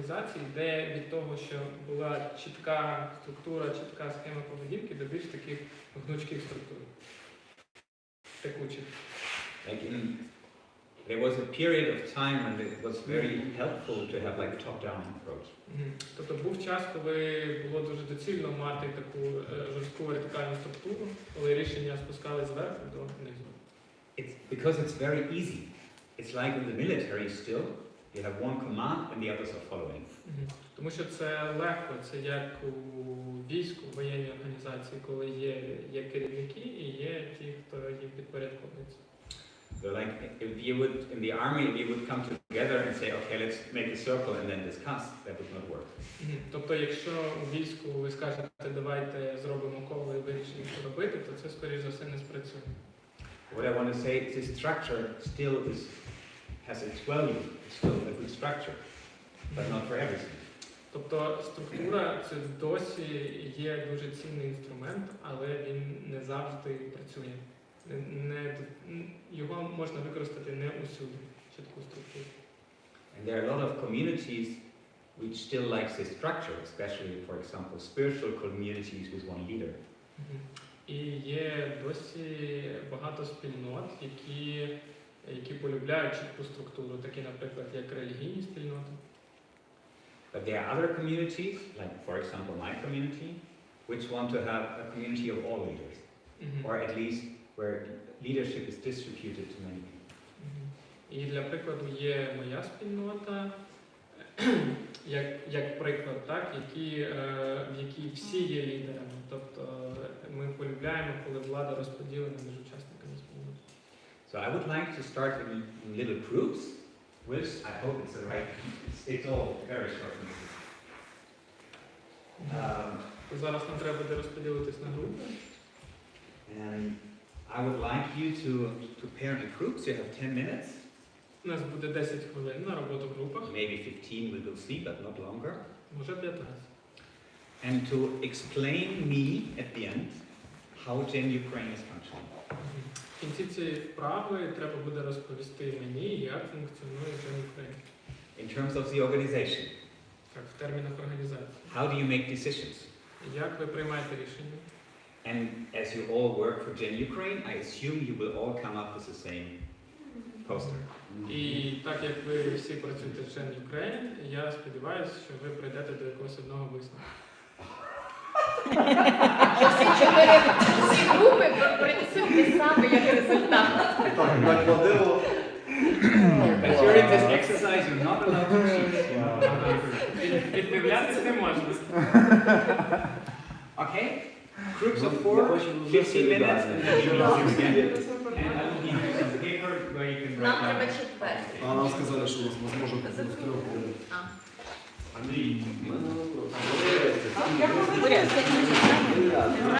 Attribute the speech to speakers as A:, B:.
A: організацій йде від того, що була чітка структура, чітка схема поведінки до більш таких гнучких структур, текучих.
B: There was a period of time when it was very helpful to have like a top-down approach.
A: Тобто був час, коли було дуже доцільно мати таку жорстку вертикальну структуру, коли рішення спускались зверху до низу.
B: Because it's very easy. It's like in the military still. You have one command and the others are following.
A: Тому що це легко, це як у війську, в воєнній організації, коли є керівники і є ті, хто їм підпорядковується.
B: So like if you would, in the army, if you would come together and say, okay, let's make a circle and then discuss, that would not work.
A: Тобто, якщо у війську ви скажете, давайте зробимо коло і вирішимо, що робити, то це, скоріш за все, не спрацює.
B: What I want to say is this structure still has its value. It's still a good structure, but not for everything.
A: Тобто структура це досі є дуже цінний інструмент, але він не завжди працює. Його можна використати не усюди, чітку структуру.
B: And there are a lot of communities which still like this structure, especially, for example, spiritual communities with one leader.
A: І є досі багато спільнот, які полюбляють чітку структуру, такі, наприклад, як релігійні спільноти.
B: But there are other communities, like, for example, my community, which want to have a community of all leaders, or at least where leadership is distributed to many people.
A: І для прикладу є моя спільнота, як приклад, так, в якій всі є лідерами. Тобто ми полюбляємо, коли влада розподілена між учасниками спільноти.
B: So I would like to start in little groups, which I hope it's the right. It's all very short.
A: Зараз нам треба буде розподілитись на групи.
B: And I would like you to pair in groups. You have 10 minutes.
A: У нас буде 10 хвилин на роботу в групах.
B: Maybe 15 we will see, but not longer.
A: Може 15.
B: And to explain me at the end how Gen Ukraine is functioning.
A: В кінці цієї вправи треба буде розповісти мені, як функціонує Gen Ukraine.
B: In terms of the organization.
A: Так, в термінах організації.
B: How do you make decisions?
A: Як ви приймаєте рішення?
B: And as you all work for Gen Ukraine, I assume you will all come up with the same poster.
A: І так як ви всі працюєте в Gen Ukraine, я сподіваюся, що ви прийдете до якогось одного висновку.
C: Всі групи принесуть те саме, як результат.
D: Так, накладило.
B: But during this exercise, you're not allowed to cheat.
A: Відмовлятись не можна.
B: Okay? Groups of 4, 15 minutes, and then you will again. And I will give you some paper where you can
C: Нам
B: write
C: треба
B: down.
C: четвертий.
D: А нам сказали, що у нас може бути в 3 годинах.
C: А.
D: Андрій.
C: Я говорю,